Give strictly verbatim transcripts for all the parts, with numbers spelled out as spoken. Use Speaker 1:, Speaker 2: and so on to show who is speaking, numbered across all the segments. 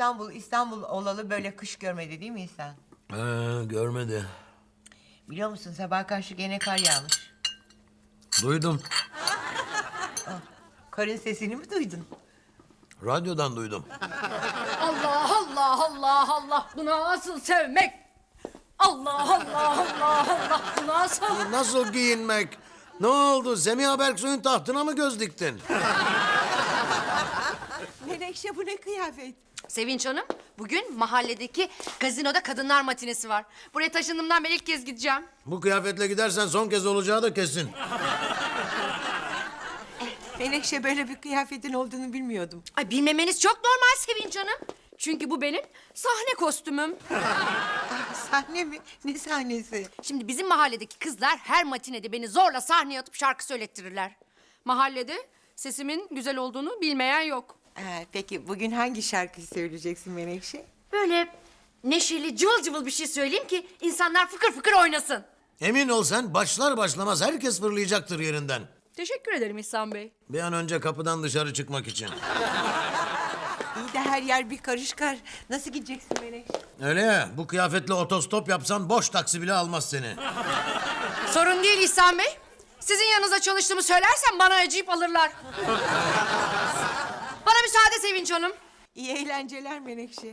Speaker 1: İstanbul, İstanbul olalı böyle kış görmedi değil mi İhsan?
Speaker 2: Ee, görmedi.
Speaker 1: Biliyor musun sabah karşı gene kar yağmış.
Speaker 2: Duydum.
Speaker 1: Karın sesini mi duydun?
Speaker 2: Radyodan duydum.
Speaker 3: Allah Allah Allah Allah. Bu nasıl sevmek? Allah Allah Allah Allah. Bu nasıl?
Speaker 2: Nasıl giyinmek? Ne oldu? Semiha Berksoy'un tahtına mı göz diktin?
Speaker 1: Menekşe bu ne kıyafet?
Speaker 3: Sevinç Hanım, bugün mahalledeki gazinoda kadınlar matinesi var. Buraya taşındığımdan beri ilk kez gideceğim.
Speaker 2: Bu kıyafetle gidersen son kez olacağı da kesin.
Speaker 1: Menekşe böyle bir kıyafetin olduğunu bilmiyordum.
Speaker 3: Ay bilmemeniz çok normal Sevinç Hanım. Çünkü bu benim sahne kostümüm.
Speaker 1: Sahne mi? Ne sahnesi?
Speaker 3: Şimdi bizim mahalledeki kızlar her matinede beni zorla sahneye atıp şarkı söylettirirler. Mahallede sesimin güzel olduğunu bilmeyen yok.
Speaker 1: Ee, peki bugün hangi şarkıyı söyleyeceksin Menekşe?
Speaker 3: Böyle neşeli cıvıl cıvıl bir şey söyleyeyim ki insanlar fıkır fıkır oynasın.
Speaker 2: Emin ol sen başlar başlamaz herkes fırlayacaktır yerinden.
Speaker 3: Teşekkür ederim İhsan Bey.
Speaker 2: Bir an önce kapıdan dışarı çıkmak için.
Speaker 1: İyi de her yer bir karış kar. Nasıl gideceksin Menekşe?
Speaker 2: Öyle ya, bu kıyafetle otostop yapsan boş taksi bile almaz seni.
Speaker 3: Sorun değil İhsan Bey. Sizin yanınızda çalıştığımı söylersem bana acıyıp alırlar. Bana müsaade Sevinç Hanım.
Speaker 1: İyi eğlenceler Menekşe.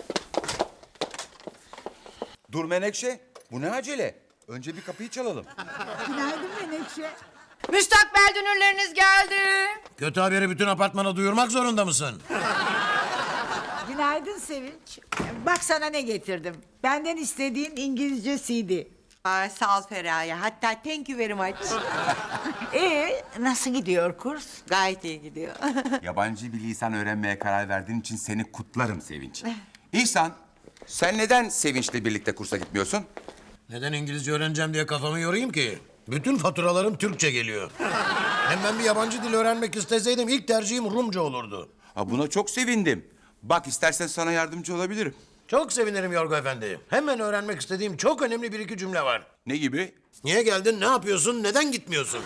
Speaker 4: Dur Menekşe, bu ne acele? Önce bir kapıyı çalalım.
Speaker 5: Günaydın Menekşe.
Speaker 3: Müstakbel dünürleriniz geldi.
Speaker 2: Kötü haberi bütün apartmana duyurmak zorunda mısın?
Speaker 5: Günaydın Sevinç. Bak sana ne getirdim. Benden istediğin İngilizce C D.
Speaker 1: Aa, sağ ol Feraye. Hatta thank you very much.
Speaker 5: Ee, nasıl gidiyor kurs?
Speaker 1: Gayet iyi gidiyor.
Speaker 4: Yabancı bir lisan öğrenmeye karar verdiğin için seni kutlarım Sevinç. İhsan, sen neden Sevinç'le birlikte kursa gitmiyorsun?
Speaker 2: Neden İngilizce öğreneceğim diye kafamı yorayım ki? Bütün faturalarım Türkçe geliyor. Hem ben bir yabancı dil öğrenmek isteseydim ilk tercihim Rumca olurdu.
Speaker 4: Ha, buna çok sevindim. Bak istersen sana yardımcı olabilirim.
Speaker 2: Çok sevinirim Yorgo Efendi. Hemen öğrenmek istediğim çok önemli bir iki cümle var.
Speaker 4: Ne gibi?
Speaker 2: Niye geldin, ne yapıyorsun, neden gitmiyorsun?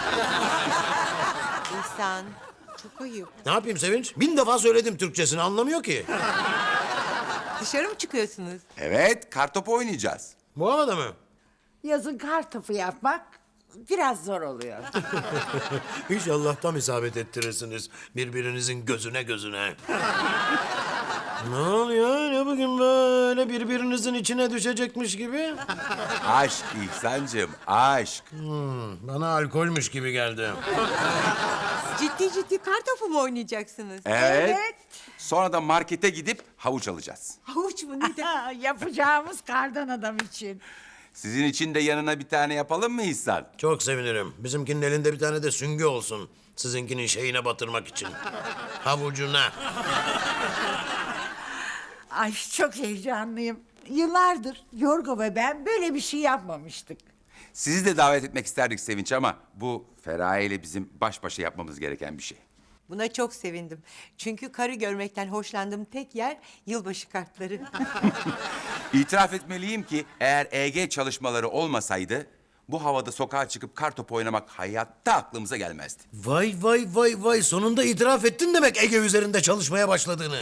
Speaker 1: İhsan, çok ayıp.
Speaker 2: Ne yapayım Sevinç? Bin defa söyledim Türkçesini, anlamıyor ki.
Speaker 1: Dışarı mı çıkıyorsunuz?
Speaker 4: Evet, kartopu oynayacağız.
Speaker 2: Bu havada mı?
Speaker 5: Yazın kar topu yapmak biraz zor oluyor.
Speaker 2: İnşallah tam isabet ettirirsiniz birbirinizin gözüne gözüne. Ne oluyor? Ne bugün böyle birbirinizin içine düşecekmiş gibi?
Speaker 4: Aşk İhsan'cığım, aşk.
Speaker 2: Hmm, bana alkolmüş gibi geldi.
Speaker 1: Ciddi ciddi kartopu mu oynayacaksınız?
Speaker 4: Evet. Sonra da markete gidip havuç alacağız.
Speaker 1: Havuç mu? Neden?
Speaker 5: Yapacağımız kardan adam için.
Speaker 4: Sizin için de yanına bir tane yapalım mı İhsan?
Speaker 2: Çok sevinirim. Bizimkinin elinde bir tane de süngü olsun. Sizinkinin şeyine batırmak için. Havucuna.
Speaker 5: Ay çok heyecanlıyım. Yıllardır Yorgo ve ben böyle bir şey yapmamıştık.
Speaker 4: Sizi de davet etmek isterdik Sevinç ama bu Feraye ile bizim baş başa yapmamız gereken bir şey.
Speaker 1: Buna çok sevindim. Çünkü karı görmekten hoşlandığım tek yer yılbaşı kartları.
Speaker 4: İtiraf etmeliyim ki eğer E G çalışmaları olmasaydı bu havada sokağa çıkıp kartopu oynamak hayatta aklımıza gelmezdi.
Speaker 2: Vay vay vay vay, sonunda itiraf ettin demek Ege üzerinde çalışmaya başladığını.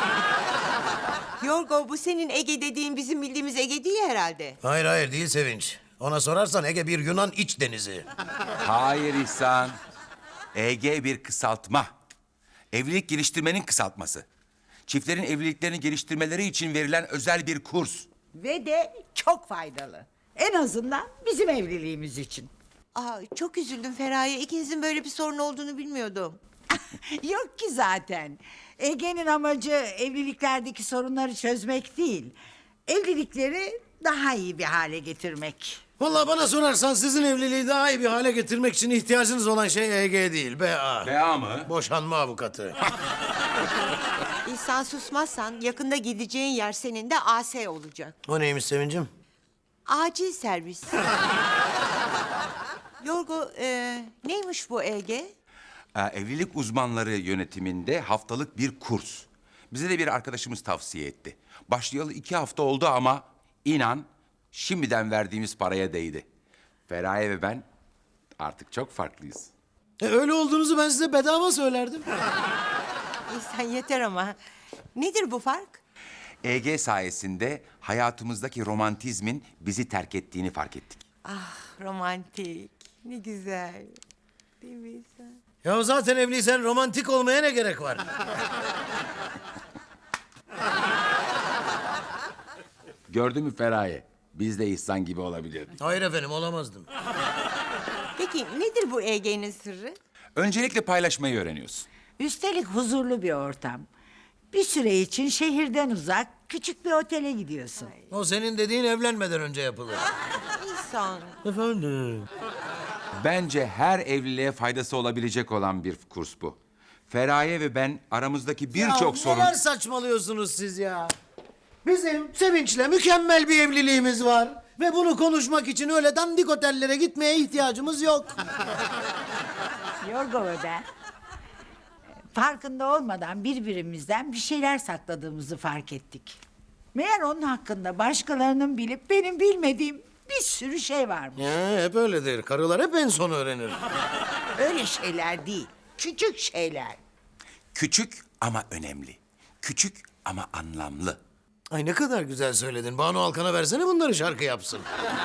Speaker 1: Yorgo, bu senin Ege dediğin bizim bildiğimiz Ege değil herhalde.
Speaker 2: Hayır hayır değil Sevinç. Ona sorarsan Ege bir Yunan iç denizi.
Speaker 4: Hayır İhsan. E G bir kısaltma. Evlilik geliştirmenin kısaltması. Çiftlerin evliliklerini geliştirmeleri için verilen özel bir kurs.
Speaker 5: Ve de çok faydalı. En azından bizim evliliğimiz için.
Speaker 1: Aa, çok üzüldüm Feraye. İkinizin böyle bir sorun olduğunu bilmiyordum.
Speaker 5: Yok ki zaten. Ege'nin amacı evliliklerdeki sorunları çözmek değil. Evlilikleri daha iyi bir hale getirmek.
Speaker 2: Vallahi bana sorarsan sizin evliliği daha iyi bir hale getirmek için ihtiyacınız olan şey E G değil, B A.
Speaker 4: B A mı?
Speaker 2: Boşanma avukatı.
Speaker 1: İhsan, susmazsan yakında gideceğin yer senin de A S olacak.
Speaker 2: O neymiş Sevincim?
Speaker 1: Acil servis. Yorgo, e, neymiş bu E G?
Speaker 4: Ee, evlilik uzmanları yönetiminde haftalık bir kurs. Bize de bir arkadaşımız tavsiye etti. Başlayalı iki hafta oldu ama inan şimdiden verdiğimiz paraya değdi. Feraye ve ben artık çok farklıyız.
Speaker 2: E, öyle olduğunuzu ben size bedava söylerdim.
Speaker 1: İhsan yeter ama. Nedir bu fark?
Speaker 4: E G sayesinde hayatımızdaki romantizmin bizi terk ettiğini fark ettik.
Speaker 1: Ah romantik. Ne güzel. Değil mi İhsan?
Speaker 2: Ya zaten evliysen romantik olmaya ne gerek var?
Speaker 4: Gördün mü Feraye? Biz de İhsan gibi olabilirdik.
Speaker 2: Hayır efendim, olamazdım.
Speaker 1: Peki nedir bu E G'nin sırrı?
Speaker 4: Öncelikle paylaşmayı öğreniyorsun.
Speaker 5: Üstelik huzurlu bir ortam. Bir süre için şehirden uzak küçük bir otele gidiyorsun.
Speaker 2: O senin dediğin evlenmeden önce yapılır.
Speaker 1: İhsan.
Speaker 2: Efendim?
Speaker 4: Bence her evliliğe faydası olabilecek olan bir kurs bu. Feraye ve ben aramızdaki birçok
Speaker 2: Ya
Speaker 4: sorun...
Speaker 2: neler saçmalıyorsunuz siz ya? Bizim Sevinç'le mükemmel bir evliliğimiz var. Ve bunu konuşmak için öyle dandik otellere gitmeye ihtiyacımız yok.
Speaker 5: Yorgo ve ben farkında olmadan birbirimizden bir şeyler sakladığımızı fark ettik. Meğer onun hakkında başkalarının bilip benim bilmediğim bir sürü şey varmış.
Speaker 2: Ya hep öyledir. Karılar hep en son öğrenir.
Speaker 5: Öyle şeyler değil, küçük şeyler.
Speaker 4: Küçük ama önemli. Küçük ama anlamlı.
Speaker 2: Ay ne kadar güzel söyledin. Banu Alkan'a versene bunları şarkı yapsın.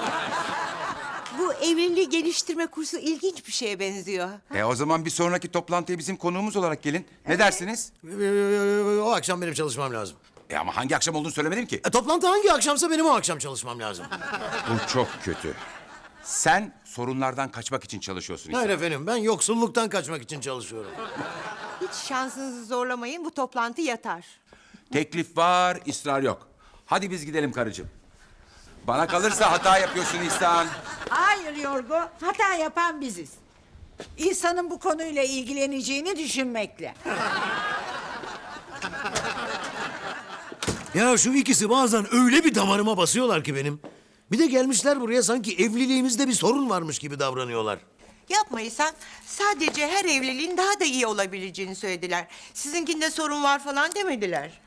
Speaker 1: Bu evliliği geliştirme kursu ilginç bir şeye benziyor.
Speaker 4: E o zaman bir sonraki toplantıya bizim konuğumuz olarak gelin. Ne dersiniz?
Speaker 2: O akşam benim çalışmam lazım.
Speaker 4: E ama hangi akşam olduğunu söylemedim ki.
Speaker 2: E, toplantı hangi akşamsa benim o akşam çalışmam lazım.
Speaker 4: Bu çok kötü. Sen sorunlardan kaçmak için çalışıyorsun İhsan.
Speaker 2: Hayır efendim, ben yoksulluktan kaçmak için çalışıyorum.
Speaker 1: Hiç şansınızı zorlamayın, bu toplantı yatar.
Speaker 4: Teklif var, ısrar yok. Hadi biz gidelim karıcığım. Bana kalırsa hata yapıyorsun İhsan.
Speaker 5: Hayır Yorgo, hata yapan biziz. İnsanın bu konuyla ilgileneceğini düşünmekle.
Speaker 2: Ya şu ikisi bazen öyle bir damarıma basıyorlar ki benim. Bir de gelmişler buraya sanki evliliğimizde bir sorun varmış gibi davranıyorlar.
Speaker 1: Yapma İhsan, sadece her evliliğin daha da iyi olabileceğini söylediler. Sizinkinde sorun var falan demediler.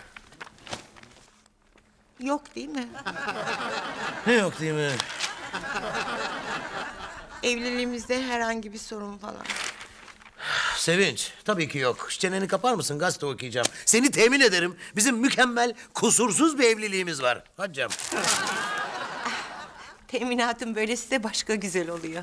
Speaker 1: Yok değil mi?
Speaker 2: Ne yok değil mi?
Speaker 1: Evliliğimizde herhangi bir sorun falan.
Speaker 2: Sevinç, tabii ki yok. Çeneni kapar mısın? Gazete okuyacağım. Seni temin ederim. Bizim mükemmel, kusursuz bir evliliğimiz var. Hadi canım.
Speaker 1: Teminatın böylesi de başka güzel oluyor.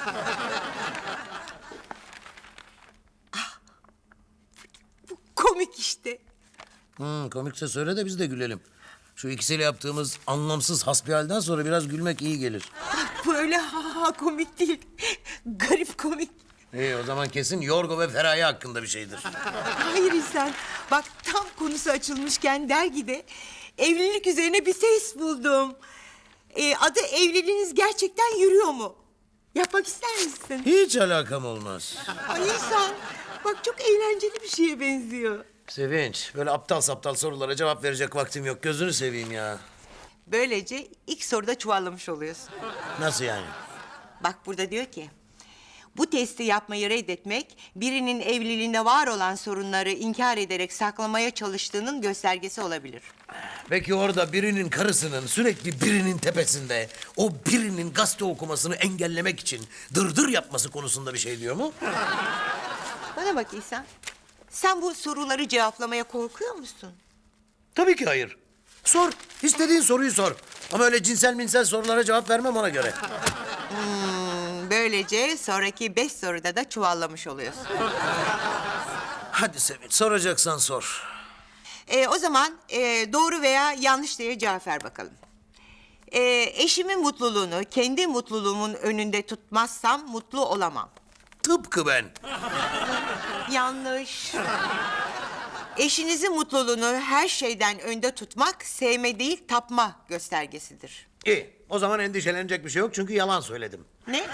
Speaker 1: Ah, bu komik işte.
Speaker 2: Hmm, komikse söyle de biz de gülelim. Şu ikisiyle yaptığımız anlamsız hasbihalden sonra biraz gülmek iyi gelir.
Speaker 1: Böyle ha ha komik değil. Garip komik.
Speaker 2: İyi, o zaman kesin Yorgo ve Feraye hakkında bir şeydir.
Speaker 1: Hayır İhsan. Bak tam konusu açılmışken dergide evlilik üzerine bir test buldum. Ee, adı evliliğiniz gerçekten yürüyor mu? Yapmak ister misin?
Speaker 2: Hiç alakam olmaz.
Speaker 1: Ay İhsan bak çok eğlenceli bir şeye benziyor.
Speaker 2: Sevinç, böyle aptal saptal sorulara cevap verecek vaktim yok. Gözünü seveyim ya.
Speaker 1: Böylece ilk soruda çuvallamış oluyorsun.
Speaker 2: Nasıl yani?
Speaker 1: Bak burada diyor ki... Bu testi yapmayı reddetmek, birinin evliliğinde var olan sorunları inkar ederek saklamaya çalıştığının göstergesi olabilir.
Speaker 2: Peki orada birinin karısının sürekli birinin tepesinde... ...o birinin gazete okumasını engellemek için dırdır yapması konusunda bir şey diyor mu?
Speaker 1: Bana bak İhsan, sen bu soruları cevaplamaya korkuyor musun?
Speaker 2: Tabii ki hayır. Sor, istediğin soruyu sor. Ama öyle cinsel minsel sorulara cevap vermem ona göre.
Speaker 1: Böylece sonraki beş soruda da çuvallamış oluyorsun.
Speaker 2: Hadi Sevinç, soracaksan sor.
Speaker 1: Ee, o zaman e, doğru veya yanlış diye cevap ver bakalım. Ee, eşimin mutluluğunu kendi mutluluğumun önünde tutmazsam mutlu olamam.
Speaker 2: Tıpkı ben.
Speaker 1: Yanlış. Eşinizin mutluluğunu her şeyden önde tutmak sevme değil tapma göstergesidir.
Speaker 2: İyi, o zaman endişelenecek bir şey yok çünkü yalan söyledim.
Speaker 1: Ne?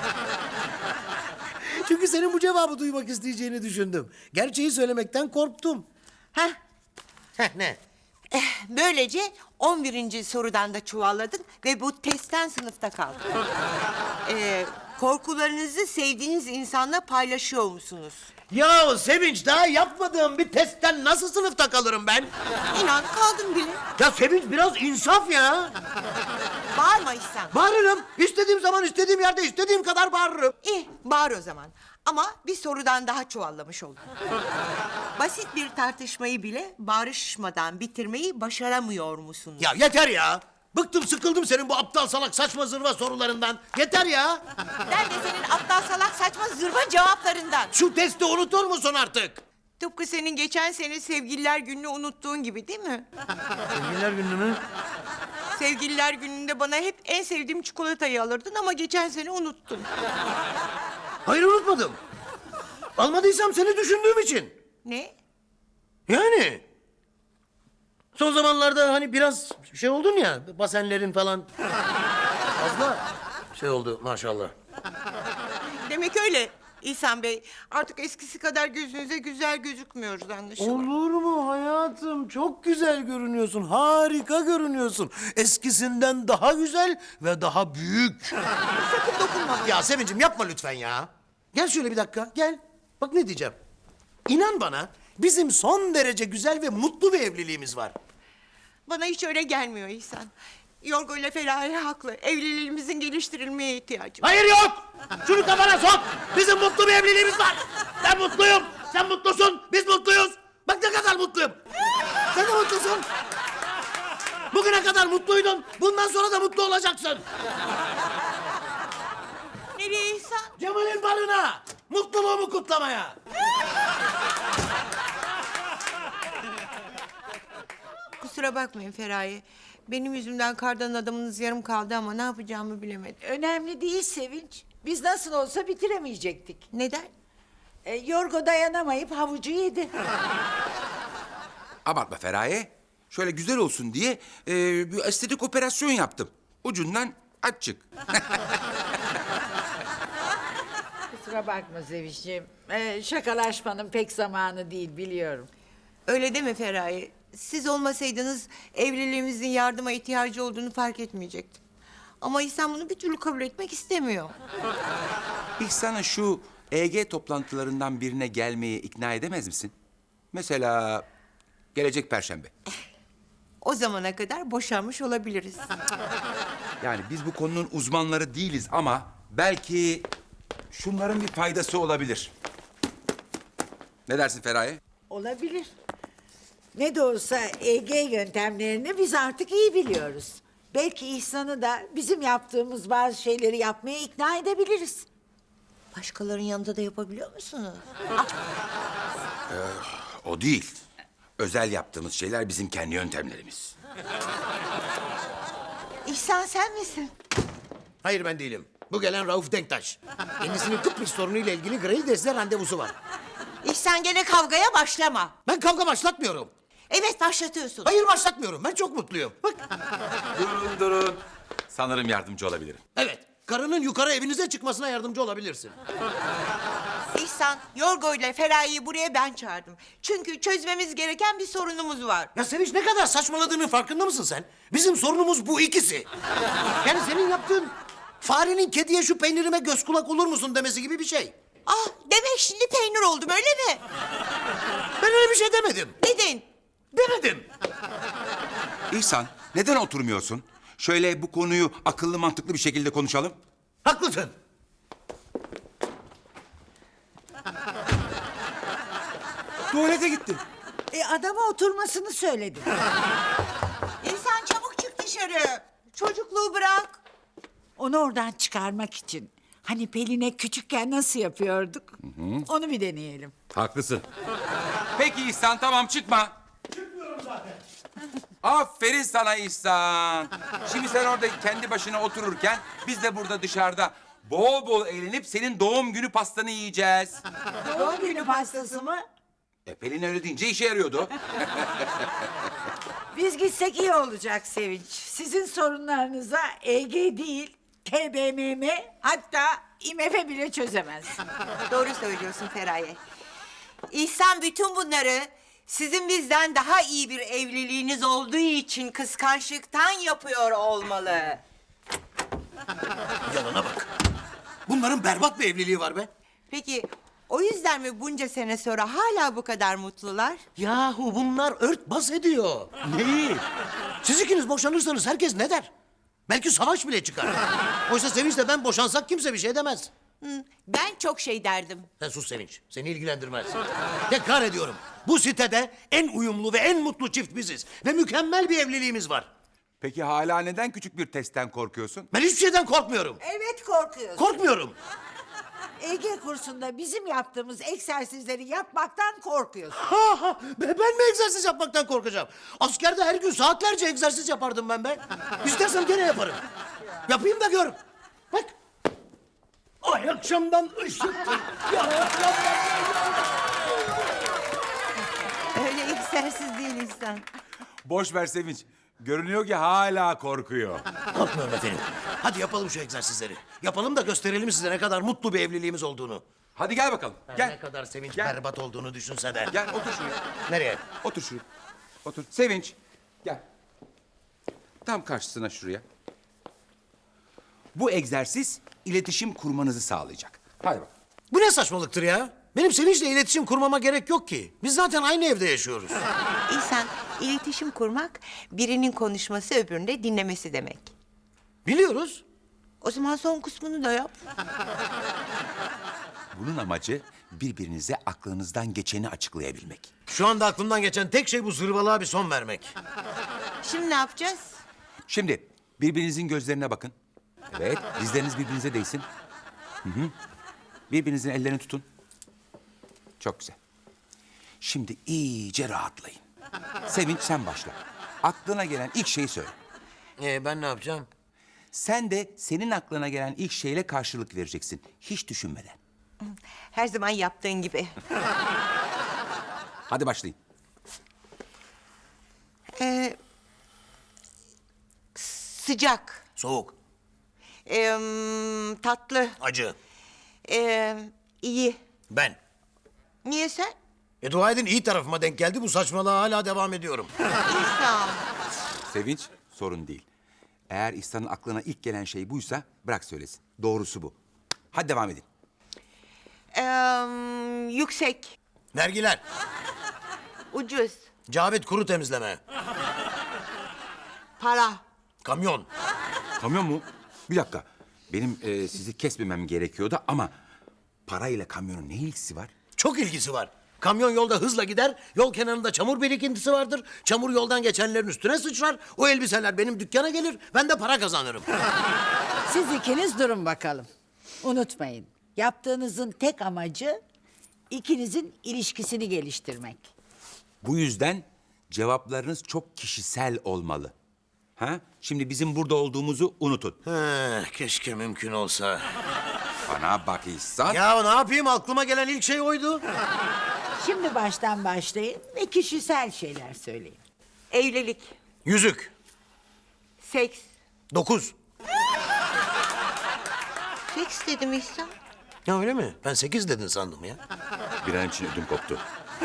Speaker 2: Çünkü senin bu cevabı duymak isteyeceğini düşündüm. Gerçeği söylemekten korktum.
Speaker 1: Heh,
Speaker 2: Heh, ne?
Speaker 1: böylece on birinci sorudan da çuvalladın ve bu testten sınıfta kaldın. Ee, korkularınızı sevdiğiniz insanla paylaşıyor musunuz?
Speaker 2: Ya Sevinç, daha yapmadığım bir testten nasıl sınıfta kalırım ben?
Speaker 1: İnan kaldım bile.
Speaker 2: Ya Sevinç, biraz insaf ya.
Speaker 1: Bağırma İhsan.
Speaker 2: Bağırırım. İstediğim zaman, istediğim yerde, istediğim kadar bağırırım.
Speaker 1: İyi, bağır o zaman. Ama bir sorudan daha çuvallamış oldun. Basit bir tartışmayı bile bağırışmadan bitirmeyi başaramıyor musunuz?
Speaker 2: Ya yeter ya. Bıktım, sıkıldım senin bu aptal salak saçma zırva sorularından. Yeter ya.
Speaker 1: Ben de senin aptal salak saçma zırva cevaplarından.
Speaker 2: Şu testi unutur musun artık?
Speaker 1: Tıpkı senin geçen sene sevgililer gününü unuttuğun gibi değil mi?
Speaker 2: Sevgililer günü mü?
Speaker 1: Sevgililer gününde bana hep en sevdiğim çikolatayı alırdın ama geçen sene unuttun.
Speaker 2: Hayır, unutmadım. Almadıysam seni düşündüğüm için.
Speaker 1: Ne?
Speaker 2: Yani. Son zamanlarda hani biraz şey oldun ya, basenlerin falan. Fazla şey oldu maşallah.
Speaker 1: Demek öyle İhsan Bey. Artık eskisi kadar gözünüze güzel gözükmüyoruz anlaşılan.
Speaker 2: Olur mu hayatım? Çok güzel görünüyorsun. Harika görünüyorsun. Eskisinden daha güzel ve daha büyük.
Speaker 1: Sakın dokunma bana.
Speaker 2: Ya Sevincim yapma lütfen ya. Gel şöyle bir dakika, gel. Bak ne diyeceğim. İnan bana, bizim son derece güzel ve mutlu bir evliliğimiz var.
Speaker 1: Bana hiç öyle gelmiyor İhsan. Yorgo ile Feraye haklı. Evliliğimizin geliştirilmeye ihtiyacı var.
Speaker 2: Hayır yok! Şunu kafana sok! Bizim mutlu bir evliliğimiz var. Ben mutluyum, sen mutlusun, biz mutluyuz. Bak ne kadar mutluyum. Sen de mutlusun. Bugüne kadar mutluydun, bundan sonra da mutlu olacaksın.
Speaker 1: Nereye İhsan?
Speaker 2: Cemal'in barına, mutluluğumu kutlamaya.
Speaker 1: Kusura bakmayın Feraye. Benim yüzümden kardan adamınız yarım kaldı ama ne yapacağımı bilemedim.
Speaker 5: Önemli değil Sevinç. Biz nasıl olsa bitiremeyecektik.
Speaker 1: Neden?
Speaker 5: E, Yorgo dayanamayıp havucu yedi.
Speaker 4: Abartma Feraye. Şöyle güzel olsun diye e, bir estetik operasyon yaptım. Ucundan aç çık.
Speaker 5: Kusura bakma Sevinç'ciğim. E, şakalaşmanın pek zamanı değil biliyorum.
Speaker 1: Öyle deme Feraye. Siz olmasaydınız evliliğimizin yardıma ihtiyacı olduğunu fark etmeyecektim. Ama İhsan bunu bir türlü kabul etmek istemiyor.
Speaker 4: İhsan'ı şu E G toplantılarından birine gelmeye ikna edemez misin? Mesela gelecek Perşembe.
Speaker 1: O zamana kadar boşanmış olabiliriz.
Speaker 4: Yani biz bu konunun uzmanları değiliz ama belki şunların bir faydası olabilir. Ne dersin Feraye?
Speaker 5: Olabilir. Ne de olsa E G yöntemlerini biz artık iyi biliyoruz. Belki İhsan'ı da bizim yaptığımız bazı şeyleri yapmaya ikna edebiliriz.
Speaker 1: Başkalarının yanında da yapabiliyor musunuz?
Speaker 4: O değil. Özel yaptığımız şeyler bizim kendi yöntemlerimiz.
Speaker 1: İhsan sen misin?
Speaker 2: Hayır ben değilim. Bu gelen Rauf Denktaş. Kendisinin Kıbrıs sorunuyla ilgili Grailes'le randevusu var.
Speaker 1: İhsan gene kavgaya başlama.
Speaker 2: Ben kavga başlatmıyorum.
Speaker 1: Evet başlatıyorsun.
Speaker 2: Hayır başlatmıyorum. Ben çok mutluyum. Bak.
Speaker 4: Durun durun. Sanırım yardımcı olabilirim.
Speaker 2: Evet. Karının yukarı evinize çıkmasına yardımcı olabilirsin.
Speaker 1: İhsan, Yorgo ile Feraye'yi buraya ben çağırdım. Çünkü çözmemiz gereken bir sorunumuz var.
Speaker 2: Ya Sevinç ne kadar saçmaladığının farkında mısın sen? Bizim sorunumuz bu ikisi. Yani senin yaptığın farenin kediye şu peynirime göz kulak olur musun demesi gibi bir şey.
Speaker 1: Ah, demek şimdi peynir oldum öyle mi?
Speaker 2: Ben öyle bir şey demedim.
Speaker 1: Dedin.
Speaker 2: Demedim.
Speaker 4: İhsan, neden oturmuyorsun? Şöyle bu konuyu akıllı mantıklı bir şekilde konuşalım.
Speaker 2: Haklısın.
Speaker 4: Tuvalete gitti.
Speaker 5: E adama oturmasını söyledim.
Speaker 1: İhsan çabuk çık dışarı. Çocukluğu bırak.
Speaker 5: Onu oradan çıkarmak için. Hani Pelin'e küçükken nasıl yapıyorduk? Onu bir deneyelim.
Speaker 4: Haklısın. Peki İhsan, tamam çıkma. Çıkmıyorum zaten. Aferin sana İhsan. Şimdi sen orada kendi başına otururken biz de burada dışarıda bol bol eğlenip senin doğum günü pastanı yiyeceğiz.
Speaker 5: Doğum günü pastası mı?
Speaker 4: E Pelin öyle deyince işe yarıyordu.
Speaker 5: Biz gitsek iyi olacak Sevinç. Sizin sorunlarınıza E G değil, T B M M hatta I M F bile çözemez.
Speaker 1: Doğru söylüyorsun Feraye. İhsan bütün bunları sizin bizden daha iyi bir evliliğiniz olduğu için kıskançlıktan yapıyor olmalı.
Speaker 2: Yalana bak. Bunların berbat bir evliliği var be.
Speaker 1: Peki o yüzden mi bunca sene sonra hala bu kadar mutlular?
Speaker 2: Yahu bunlar örtbas ediyor. Neyi? Siz ikiniz boşanırsanız herkes ne der? Belki savaş bile çıkar. Oysa Sevinç'le ben boşansak kimse bir şey demez.
Speaker 1: Hı, ben çok şey derdim.
Speaker 2: Sen sus Sevinç. Seni ilgilendirmez. Tekrar ediyorum. Bu sitede en uyumlu ve en mutlu çift biziz. Ve mükemmel bir evliliğimiz var.
Speaker 4: Peki hala neden küçük bir testten korkuyorsun?
Speaker 2: Ben hiçbir şeyden korkmuyorum.
Speaker 5: Evet korkuyorsun.
Speaker 2: Korkmuyorum.
Speaker 5: Ege kursunda bizim yaptığımız egzersizleri yapmaktan korkuyorsun.
Speaker 2: Ha, ha, ben ben mi egzersiz yapmaktan korkacağım? Askerde her gün saatlerce egzersiz yapardım ben be. İstersen gene yaparım. Yapayım da gör. Bak. Ay akşamdan ışıktır. Ya,
Speaker 1: Öyle egzersiz değil İhsan.
Speaker 4: Boş ver Sevinç. Görünüyor ki hala korkuyor.
Speaker 2: korkmuyorum efendim. Hadi yapalım şu egzersizleri. Yapalım da gösterelim size ne kadar mutlu bir evliliğimiz olduğunu.
Speaker 4: Hadi gel bakalım.
Speaker 2: Ne
Speaker 4: Gel.
Speaker 2: kadar sevinç
Speaker 4: Gel.
Speaker 2: berbat olduğunu düşünse de.
Speaker 4: Gel otur şuraya.
Speaker 2: Nereye?
Speaker 4: Otur şuraya. Otur. Sevinç. Gel. Tam karşısına şuraya. Bu egzersiz iletişim kurmanızı sağlayacak. Hadi bak.
Speaker 2: Bu ne saçmalıktır ya? Benim Sevinç'le iletişim kurmama gerek yok ki. Biz zaten aynı evde yaşıyoruz.
Speaker 1: İhsan, iletişim kurmak birinin konuşması öbüründe dinlemesi demek.
Speaker 2: Biliyoruz.
Speaker 1: O zaman son kısmını da yap.
Speaker 4: Bunun amacı birbirinize aklınızdan geçeni açıklayabilmek.
Speaker 2: Şu anda aklımdan geçen tek şey bu zırvalığa bir son vermek.
Speaker 1: Şimdi ne yapacağız?
Speaker 4: Şimdi birbirinizin gözlerine bakın. Evet, dizleriniz birbirinize değsin. Hı hı. Birbirinizin ellerini tutun. Çok güzel. Şimdi iyice rahatlayın. Sevinç sen başla. Aklına gelen ilk şeyi söyle.
Speaker 2: Ee, ben ne yapacağım?
Speaker 4: Sen de senin aklına gelen ilk şeyle karşılık vereceksin. Hiç düşünmeden.
Speaker 1: Her zaman yaptığın gibi.
Speaker 4: Hadi başlayın.
Speaker 1: Ee, sıcak,
Speaker 2: Soğuk,
Speaker 1: ee, tatlı,
Speaker 2: acı,
Speaker 1: ee, iyi.
Speaker 2: ben.
Speaker 1: Niye sen?
Speaker 2: E dua edin iyi tarafıma denk geldi. Bu saçmalığa hala devam ediyorum.
Speaker 1: İhsan.
Speaker 4: Sevinç sorun değil. Eğer İhsan'ın aklına ilk gelen şey buysa bırak söylesin. Doğrusu bu. Hadi devam edin.
Speaker 1: Ee, yüksek,
Speaker 2: Vergiler,
Speaker 1: ucuz,
Speaker 2: Cavit kuru temizleme,
Speaker 1: para.
Speaker 2: kamyon.
Speaker 4: Kamyon mu? Bir dakika. Benim e, sizi kesmemem gerekiyordu ama parayla kamyonun ne ilgisi var?
Speaker 2: Çok ilgisi var. Kamyon yolda hızla gider, yol kenarında çamur birikintisi vardır. Çamur yoldan geçenlerin üstüne sıçrar. O elbiseler benim dükkana gelir, ben de para kazanırım.
Speaker 5: Siz ikiniz durun bakalım. Unutmayın. Yaptığınızın tek amacı ikinizin ilişkisini geliştirmek.
Speaker 4: Bu yüzden cevaplarınız çok kişisel olmalı. Ha? Şimdi bizim burada olduğumuzu unutun.
Speaker 2: He, keşke mümkün olsa.
Speaker 4: Bana bak İhsan.
Speaker 2: Ya ne yapayım, aklıma gelen ilk şey oydu.
Speaker 5: Şimdi baştan başlayın ve kişisel şeyler söyleyin.
Speaker 1: Evlilik,
Speaker 2: Yüzük,
Speaker 1: seks.
Speaker 2: dokuz.
Speaker 1: Seks dedim İhsan.
Speaker 2: Ya öyle mi? Ben sekiz dedin sandım ya.
Speaker 4: Bir an için ödüm koptu.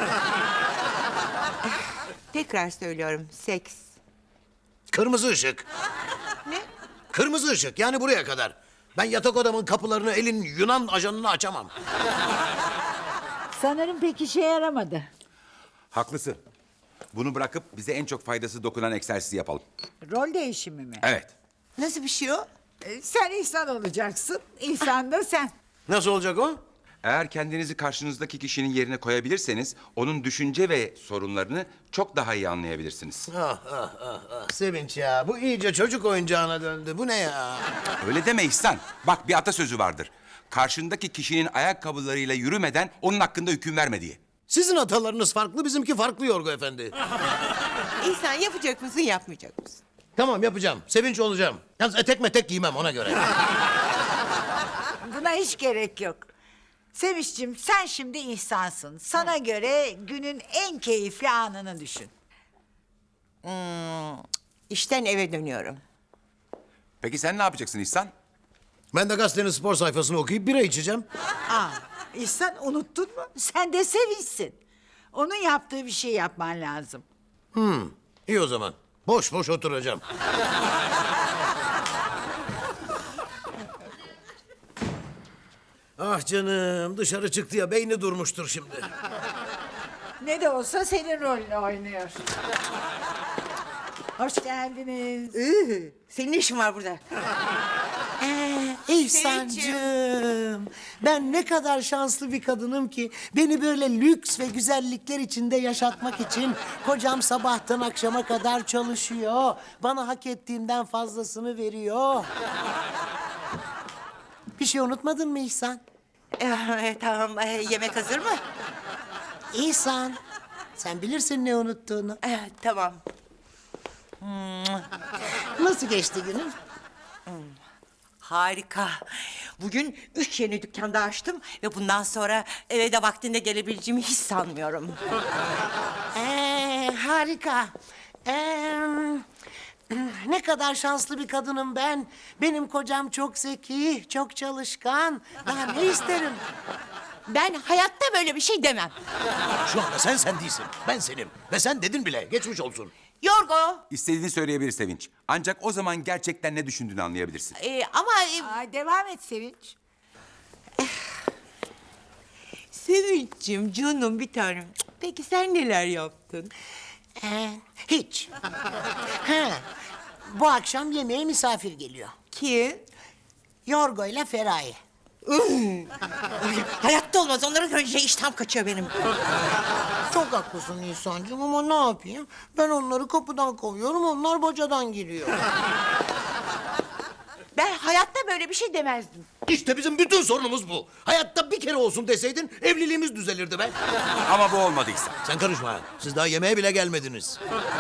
Speaker 1: Tekrar söylüyorum, seks.
Speaker 2: Kırmızı ışık.
Speaker 1: Ne?
Speaker 2: Kırmızı ışık, yani buraya kadar. Ben yatak odamın kapılarını elin Yunan ajanına açamam.
Speaker 5: Sanırım pek işe yaramadı.
Speaker 4: Haklısın. Bunu bırakıp bize en çok faydası dokunan egzersizi yapalım.
Speaker 5: Rol değişimi mi?
Speaker 4: Evet.
Speaker 1: Nasıl bir şey o?
Speaker 5: Ee, Sen İhsan olacaksın, İhsan da sen.
Speaker 2: Nasıl olacak o?
Speaker 4: Eğer kendinizi karşınızdaki kişinin yerine koyabilirseniz onun düşünce ve sorunlarını çok daha iyi anlayabilirsiniz.
Speaker 2: Ah ah ah ah Sevinç ya, bu iyice çocuk oyuncağına döndü. Bu ne ya?
Speaker 4: Öyle deme İhsan. Bak bir atasözü vardır. Karşındaki kişinin ayakkabılarıyla yürümeden onun hakkında hüküm verme diye.
Speaker 2: Sizin atalarınız farklı, bizimki farklı Yorgo Efendi.
Speaker 1: İhsan yapacak mısın, yapmayacak mısın?
Speaker 2: Tamam yapacağım, Sevinç olacağım. Yalnız etek metek giymem ona göre.
Speaker 5: Buna hiç gerek yok. Sevinç'cim sen şimdi İhsan'sın. Sana göre günün en keyifli anını düşün.
Speaker 1: Hmm, işten eve dönüyorum.
Speaker 4: Peki sen ne yapacaksın İhsan?
Speaker 2: Ben de gazetenin spor sayfasını okuyup bira içeceğim.
Speaker 5: Aa, İhsan unuttun mu? Sen de Sevinç'sin. Onun yaptığı bir şey yapman lazım.
Speaker 2: İyi o zaman. Boş boş oturacağım. Ah canım, dışarı çıktı ya, beyni durmuştur şimdi.
Speaker 5: Ne de olsa senin rolünü oynuyor. Hoş geldiniz.
Speaker 1: Iı, senin ne işin var burada?
Speaker 6: Ee, İhsancığım, ben ne kadar şanslı bir kadınım ki beni böyle lüks ve güzellikler içinde yaşatmak için kocam sabahtan akşama kadar çalışıyor. Bana hak ettiğimden fazlasını veriyor. Bir şey unutmadın mı İhsan?
Speaker 1: Ee, tamam, ee, yemek hazır mı?
Speaker 6: İhsan, sen bilirsin ne unuttuğunu.
Speaker 1: Ee, tamam.
Speaker 6: Nasıl geçti günün?
Speaker 1: Harika. Bugün üç yeni dükkanda açtım ve bundan sonra eve de vaktinde gelebileceğimi hiç sanmıyorum.
Speaker 6: Ee, harika. Ee, ne kadar şanslı bir kadınım ben. Benim kocam çok zeki, çok çalışkan. Daha ne isterim?
Speaker 1: Ben hayatta böyle bir şey demem.
Speaker 2: Şu anda sen sen değilsin. Ben senim. Ve sen dedin bile. Geçmiş olsun.
Speaker 1: Yorgo,
Speaker 4: İstediğini söyleyebilir Sevinç. Ancak o zaman gerçekten ne düşündüğünü anlayabilirsin.
Speaker 1: ee, ama ee,
Speaker 5: Aa, devam et Sevinç.
Speaker 1: Sevinç'cim, canım bir tanem. Peki sen neler yaptın?
Speaker 6: Ee, hiç. ha, bu akşam yemeğe misafir geliyor.
Speaker 1: Kim?
Speaker 6: Yorgo ile Feraye.
Speaker 1: Ay, hayatta olmaz. Onların önce iştahım kaçıyor benim.
Speaker 6: Çok haklısın İhsan'cığım ama ne yapayım? Ben onları kapıdan kovuyorum, onlar bacadan giriyor.
Speaker 1: Ben hayatta böyle bir şey demezdim.
Speaker 2: İşte bizim bütün sorunumuz bu. Hayatta bir kere olsun deseydin evliliğimiz düzelirdi be.
Speaker 4: Ama bu olmadıysa.
Speaker 2: Sen karışma. Siz daha yemeğe bile gelmediniz.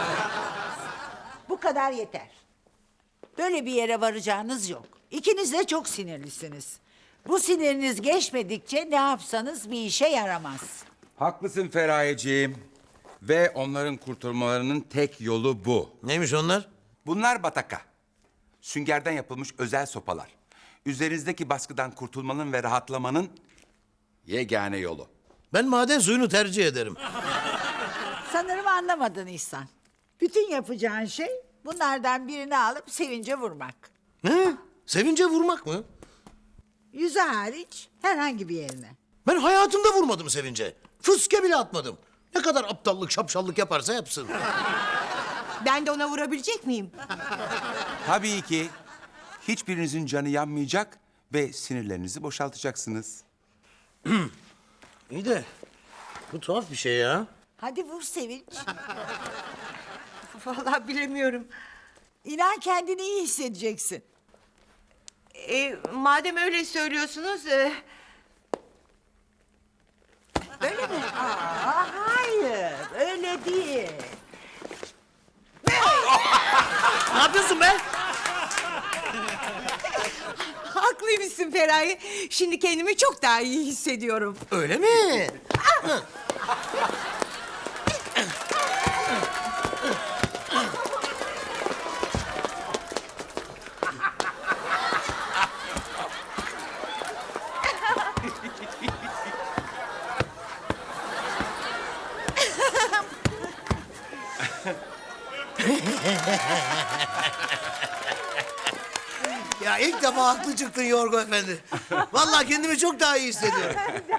Speaker 5: Bu kadar yeter. Böyle bir yere varacağınız yok. İkiniz de çok sinirlisiniz. Bu siniriniz geçmedikçe ne yapsanız bir işe yaramaz.
Speaker 4: Haklısın Feraye'ciğim. Ve onların kurtulmalarının tek yolu bu.
Speaker 2: Neymiş onlar?
Speaker 4: Bunlar bataka. Süngerden yapılmış özel sopalar. Üzerinizdeki baskıdan kurtulmanın ve rahatlamanın yegane yolu.
Speaker 2: Ben maden suyunu tercih ederim.
Speaker 5: Sanırım anlamadın İhsan. Bütün yapacağın şey bunlardan birini alıp Sevinç'e vurmak.
Speaker 2: Ne? Sevince vurmak mı?
Speaker 5: Yüzü hariç herhangi bir yerine.
Speaker 2: Ben hayatımda vurmadım Sevince. Fıske bile atmadım. Ne kadar aptallık, şapşallık yaparsa yapsın.
Speaker 1: Ben de ona vurabilecek miyim?
Speaker 4: Tabii ki hiçbirinizin canı yanmayacak ve sinirlerinizi boşaltacaksınız.
Speaker 2: İyi de bu tuhaf bir şey ya.
Speaker 5: Hadi vur Sevinç.
Speaker 1: Vallahi bilemiyorum.
Speaker 5: İnan kendini iyi hissedeceksin.
Speaker 1: Ee, madem öyle söylüyorsunuz... ee,
Speaker 5: Öyle mi? Aa, hayır, öyle değil.
Speaker 2: Ne yapıyorsun be?
Speaker 1: haklıymışsın Feraye. Şimdi kendimi çok daha iyi hissediyorum.
Speaker 2: Öyle mi? Ya ilk defa haklı çıktın Yorgo Efendi. Vallahi kendimi çok daha iyi hissediyorum.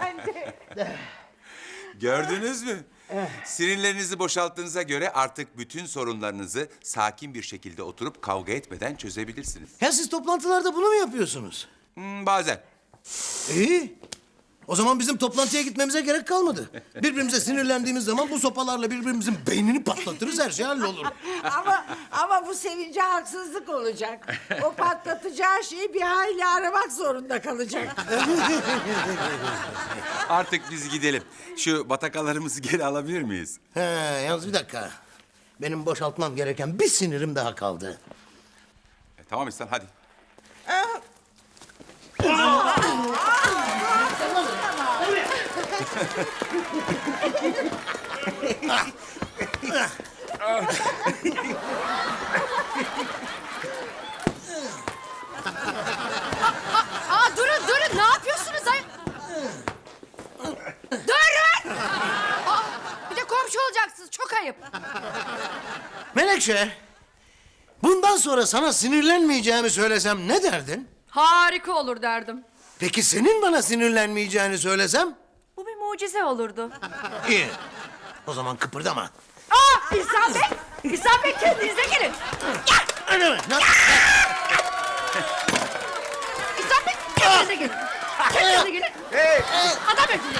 Speaker 4: Gördünüz mü? Sinirlerinizi boşalttığınıza göre artık bütün sorunlarınızı sakin bir şekilde oturup kavga etmeden çözebilirsiniz.
Speaker 2: Ya siz toplantılarda bunu mu yapıyorsunuz?
Speaker 4: Hmm, bazen.
Speaker 2: İyi. O zaman bizim toplantıya gitmemize gerek kalmadı. Birbirimize sinirlendiğimiz zaman bu sopalarla birbirimizin beynini patlatırız, her şey hallolur.
Speaker 5: Ama ama bu Sevinç'e haksızlık olacak. O patlatacağı şeyi bir hayli aramak zorunda kalacak.
Speaker 4: Artık biz gidelim. Şu batakalarımızı geri alabilir miyiz?
Speaker 2: He, yalnız bir dakika. Benim boşaltmam gereken bir sinirim daha kaldı.
Speaker 4: E, tamam İhsan hadi.
Speaker 3: Aa durun durun ne yapıyorsunuz ay? Durun! Aa, bir de komşu olacaksınız çok ayıp.
Speaker 2: Menekşe, bundan sonra sana sinirlenmeyeceğimi söylesem ne derdin?
Speaker 3: Harika olur derdim.
Speaker 2: Peki senin bana sinirlenmeyeceğini söylesem?
Speaker 3: Bu bir mucize olurdu.
Speaker 2: İyi. O zaman kıpırdama.
Speaker 3: Aa İhsan Bey! İhsan Bey kendinize gelin.
Speaker 2: Öyle mi? Ne?
Speaker 3: İhsan Bey kendinize gelin. Kendinize gelin. Adam Bey